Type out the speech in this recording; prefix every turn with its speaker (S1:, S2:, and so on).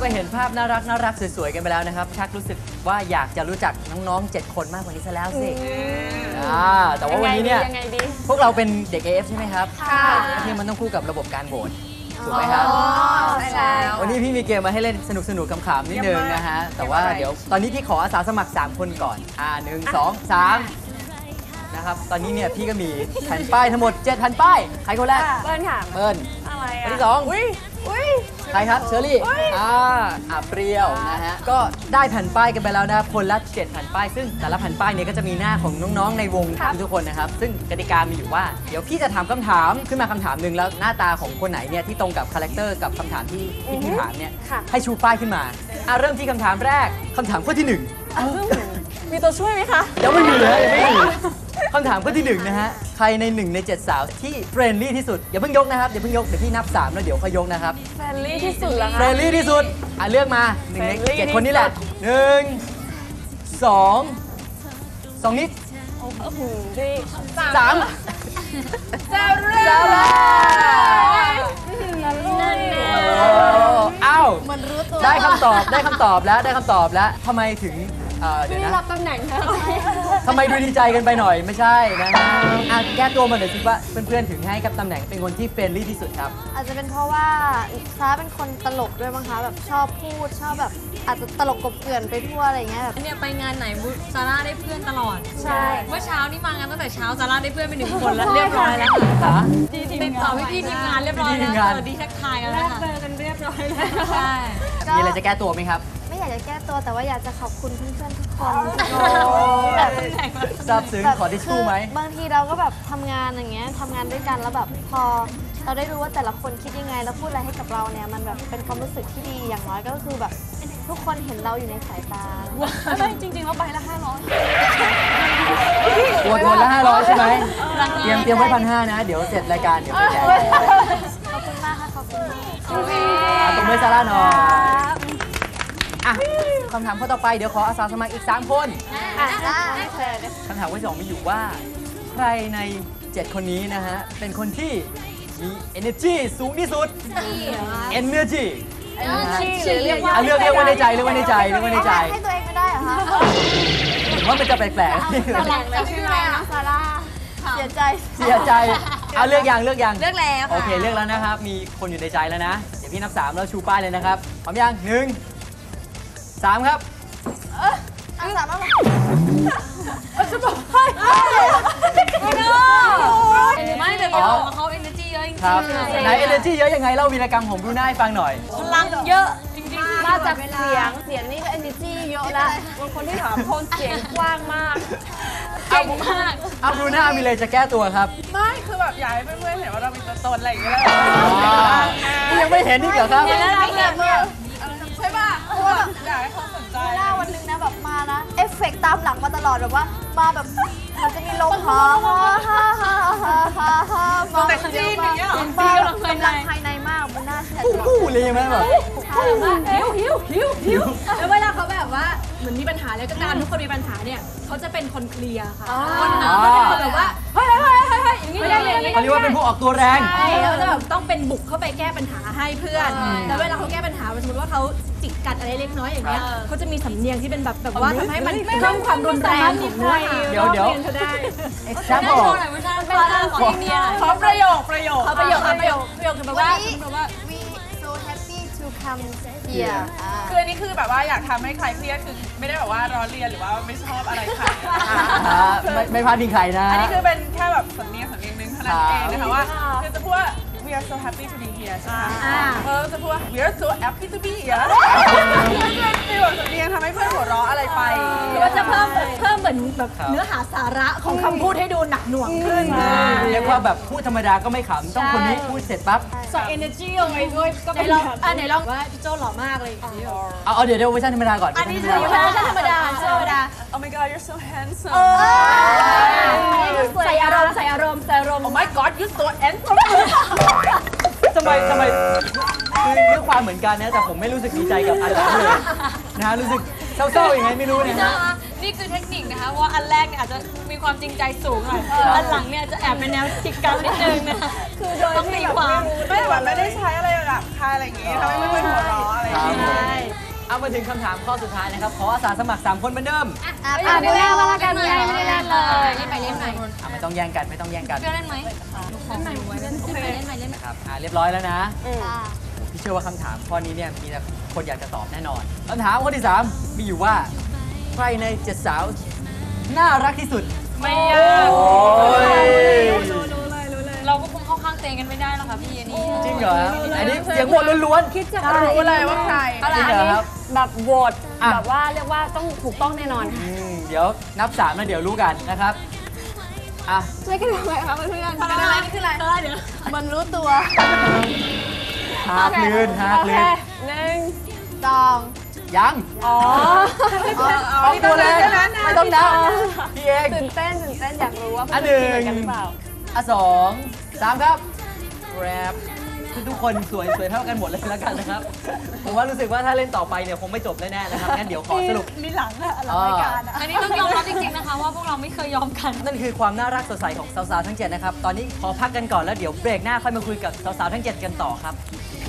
S1: เห็นภาพน่ารักสวยๆกันไปแล้วนะครับชักรู้สึกว่าอยากจะรู้จักน้องๆ7 คนมากกว่านี้ซะแล้วสิแต่ว่าวันนี้เนี่ยพวกเราเป็นเด็ก AF ใช่ไหมครับค่ะที่มันต้องคู่กับระบบการโหวตถูกไหมครับ
S2: ใช่
S1: วันนี้พี่มีเกมมาให้เล่นสนุกๆขำๆนิดนึงนะฮะแต่ว่าเดี๋ยวตอนนี้พี่ขออาสาสมัคร3 คนก่อน1 2 3นะครับตอนนี้เนี่ยพี่ก็มีแผ่นป้ายทั้งหมด7 แผ่นป้ายใครคนแรก
S2: เปิ้ลค่ะ
S1: เปิ้ล
S2: อะไร
S1: คนที่2ใครครับเชอรี่เปรี้ยวนะฮะก็ได้แผ่นป้ายกันไปแล้วนะครับคนละ7 แผ่นป้ายซึ่งแต่ละแผ่นป้ายเนี่ยก็จะมีหน้าของน้องๆในวงทุกคนนะครับซึ่งกติกามีอยู่ว่าเดี๋ยวพี่จะถามคำถามขึ้นมาคำถามหนึ่งแล้วหน้าตาของคนไหนเนี่ยที่ตรงกับคาแรคเตอร์กับคำถามที่พี่ถามเนี่ยให้ชูป้ายขึ้นมาเริ่มที่คำถามแรกคำถามข้อที่1
S2: มีตัวช่วยไหมคะ
S1: ยังไม่มีเลยคำถามข้อที่1นะฮะใครใน1 ใน 7 สาวที่เฟรนลี่ที่สุดอย่าเพิ่งยกนะครับอย่าเพิ่งยกเดี๋ยวพี่นับ3แล้วเดี๋ยวค่อยยกนะครับ
S2: เฟรนลี่ที่สุดเหรอคะ
S1: เฟรนลี่ที่สุดเลือกมา1 ใน 7 คนนี้แหละ1 2 นิด3
S2: ซาร่า
S1: อ้าวได้คำตอบแล้วทำไมถึงเดี๋ยวนะ
S2: รับตำแหน่งแล้ว
S1: ทำไมดูดีใจกันไปหน่อยไม่ใช่นะแก้ตัวมาหน่อยสิว่าเพื่อนๆถึงให้กับตำแหน่งเป็นคนที่เฟรนลี่ที่สุดครับ
S3: อาจจะเป็นเพราะว่าซาเป็นคนตลกด้วยมั้งคะแบบชอบพูดชอบแบบอาจจะตลกกบเกลื่อนไปทั่วอะไรเงี้ยแบบ
S4: เนี่ยไปงานไหนซาร่าได้เพื่อนตลอด
S3: ใช่
S4: เมื่อเช้านี่มางานตั้งแต่เช้าซาร่าได้เพื่อนไป1 คนแล้วเรียบร้อยแล้วค่ะติดต่อพี่ทีมงานเรียบร้อยแล้วสวัสดีทักทายกันแล้วค่ะ
S2: เจอกันเรียบร้อยแล้ว
S4: ใช่
S1: มีอะไรจะแก้ตัวไหมครับ
S3: ไม่อยากจะแก้ตัวแต่ว่าอยากจะขอบคุณเพื่อนๆทุกคน
S1: แบบซาบซึ้งขอทิชชู่ไหม
S3: บางทีเราก็แบบทำงานอย่างเงี้ยทำงานด้วยกันแล้วแบบพอเราได้รู้ว่าแต่ละคนคิดยังไงแล้วพูดอะไรให้กับเราเนี่ยมันแบบเป็นความรู้สึกที่ดีอย่างน้อยก็คือแบบทุกคนเห็นเราอยู่ในสายตา
S2: ไม่จริงๆเราไปละ500
S1: ตัวคนละ500ใช่ไหมเตรียมไว้1,500นะเดี๋ยวเสร็จรายการเดี๋ยวไปแจก
S3: ขอบคุณมากค่ะขอบคุณมาก
S1: ตบมือซาร่าหน่อยคำถามข้อต่อไปเดี๋ยวขออาสาสมัครอีก3 คนคำถามข้อที่2มีอยู่ว่าใครใน7 คนนี้นะฮะเป็นคนที่มี energy สูงที่สุด energy
S3: เรียก
S1: ว่าในใจให้ตัวเอง
S3: ไม่ได้เหรอคะ
S1: ผมว่ามันจะแปลกๆ
S3: ชื่ออะไรนะซาร่าเสียใจ
S1: เลือกยัง
S4: เลือกแล้ว
S1: โอเคเลือกแล้วนะครับมีคนอยู่ในใจแล้วนะเดี๋ยวพี่นับ3แล้วชูป้ายเลยนะครับพร้อมยัง1 3ครับ
S3: 3แล้ว
S4: จะบอกให้ไม่แต่บอกว่าเขา energy เยอะจริงๆ
S1: ไหน energy เยอะยังไงเล่าวีรกรรมของบรูน่าให้ฟังหน่อย
S4: พลังเยอะจริงๆ
S2: มาจากเสียงนี่ก็ energy เยอะแล้วบางคนที่ถามคนเสียงกว้างมาก
S4: เก่งมาก
S1: บรูน่ามีอะไรจะแก้ตัวครับ
S2: ไม่คือแบบอยากให้เพื่อนๆเห็นว่าเรามีตัวตนอะไรอย่างเงี้ย
S1: นี่ยังไม่เห็นนี่เหรอครับ
S4: เห็นแล้ว
S2: ใช่ป่ะเพราะว่าแบบอยากให้เขาสนใจ
S3: วันนึงนะแบบมานะเอฟเฟกต์ตามหลังมาตลอดแบบว่ามาแบบมันจะมีลม
S2: แต่จีนอย่างเงี้ยหรอ
S3: บ้าแบบกำลังภายในมากมันน่าเชื่อ
S1: ถือเลยไหมแบบ
S4: หิวแล้วเวลาเขาแบบว่าเหมือนมีปัญหาแล้วก็การทุกคนมีปัญหาเนี่ยเขาจะเป็นคนเคลียร์ค่ะคนนั้นก็เป็นคนแบบว่าเฮ้ยอย่างนี้
S1: เขาเรียกว่าเป็นผู้ออกตัวแรง
S4: แล้วจะแบบต้องเป็นบุกเข้าไปแก้ปัญหาให้เพื่อนแล้วเวลาเขาแก้ปัญหาสมมติว่าเขาจิกกัดอะไรเล็กน้อยอย่างเงี้ยเขาจะมีสำเนียงที่เป็นแบบว่าทำให้มันเพิ่มความรุนแรงของเนื้อหา
S1: เดี๋ยว
S4: แช่บอกขอประโยคคือแบบว่า
S3: we so happy to come here
S2: คืออันนี้คือแบบว่าอยากทำให้ใครเครียดคือไม่ได้แบบว่าร้อนเรียนหรือว่าไม่ชอบอะไรใคร
S1: ไม่พลาดพิงใครนะ
S2: อันนี้คือเป็นแค่แบบสำเนียงนึงเท่านั้นเองนะคะว่าคือจะพูดว่า we are so happy to be here ใช่ไหมจะพูดว่า we are so happy to be here คือแบบสำเนียงทำให้เพื่อนหัวเราะอะไรไป
S4: หรือว่าจะเพิ่มเหมือนแบบเนื้อหาสาระของคำพูดให้ดูหนักหน่วงขึ้น
S1: เรียกว่าแบบพูดธรรมดาก็ไม่ขำต้องคนนี้พูดเสร็จปั๊บ
S4: ใส่ energy ลงไปด้วยก็เป็นไหนลองว่าพี่โจ้หล่อมากเลย
S1: เอาเดี๋ยวเวอร์ชันธรรมดาก่อน
S4: อันนี้คือเวอร์ชันธรรมดา
S2: Oh my god you're so handsome
S4: ใส่อารมณ์
S2: Oh my god you're so handsome
S1: ทำไมคือเรื่องความเหมือนกันนะแต่ผมไม่รู้สึกดีใจกับอันหลังเลยนะรู้สึกเศร้าๆยังไงไม่รู้นะฮะ
S4: นี่คือเทคนิคนะคะว่าอันแรกเนี่ยอาจจะมีความจริงใจสูงหน่อยอันหลังเนี่ยจะแอบเป็นแนวจิกกัดนิดนึงนะ
S2: คือโดยที่แบบไม่ได้ใช้อะไรแบบคายอะไรอย่างงี้ทำให้ไม่เป็นหัวเราะอะไรอย่างงี้
S1: มาถึงคำถามข้อสุดท้ายนะครับ ขออาสาสมัคร 3 คนเหมือนเดิม
S3: ดูหน้ามาละกันไงไม่ได้เล่นเลย
S4: เล่นไปเล่นใหม่
S1: ไม่ต้องแย่งกันไม่ต้องแย่งกัน
S4: เพื่อนเล่นไหมเล่นใหม่เล่นไปเล่นใหม่เล่นใหม่
S1: นะครับเรียบร้อยแล้วนะ
S3: ค่ะ
S1: พี่เชื่อว่าคำถามข้อนี้เนี่ยมีแต่คนอยากจะตอบแน่นอนคำถามข้อที่ 3 มีอยู่ว่า ใครใน7สาวน่ารักที่สุด
S5: ไม่ยาก
S1: โอ้ย
S5: เราก็คงเข้าข้างเตงกันไม่ได้หรอกค่ะพี่อันนี้
S1: จริงเหรออันนี้เสียงโหวตล้วนๆคิดจะ
S2: รู้เลยว่าใคร
S1: จริงเหรอครับ
S5: แบบโหวต
S1: อ่ะ
S5: แบบว่าเรียกว่าต้องถูกต้องแน่นอนค่ะ
S1: เดี๋ยวนับ3แล้วเดี๋ยวรู้กันนะครับอ่ะ
S3: ช่วยกันทำไมคะเพื่อน
S2: เป็นอะไรนี่คืออะไร
S3: มันรู้ตัว
S1: หากลื่นหากลื่น
S3: จอง
S1: ยัง
S5: อ๋อ
S1: ออกตัวเลยไม่ต้องนับพี่เอง
S5: ตื่นเต้นอยากรู้ว่า
S1: อันห
S5: เพื่
S1: นึ่
S5: อนคิดเหมือนกันหรือเปล่า
S1: อ่ะ2 3ครับแรปคือทุกคนสวยเท่ากันหมดเลยแล้วกันนะครับ ผมว่ารู้สึกว่าถ้าเล่นต่อไปเนี่ยคงไม่จบแน่ๆนะครับงั้นเดี๋ยวขอสรุป
S2: มีหลังอะหลังรายการอะ
S5: อันนี้ต้องยอมรับจริงๆนะคะว่าพวกเราไม่เคยยอมกัน
S1: นั่นคือความน่ารักสดใสของสาวๆทั้ง 7 นะครับ ตอนนี้ขอพักกันก่อนแล้วเดี๋ยวเบรกหน้าค่อยมาคุยกับสาวๆทั้ง 7 กันต่อครับ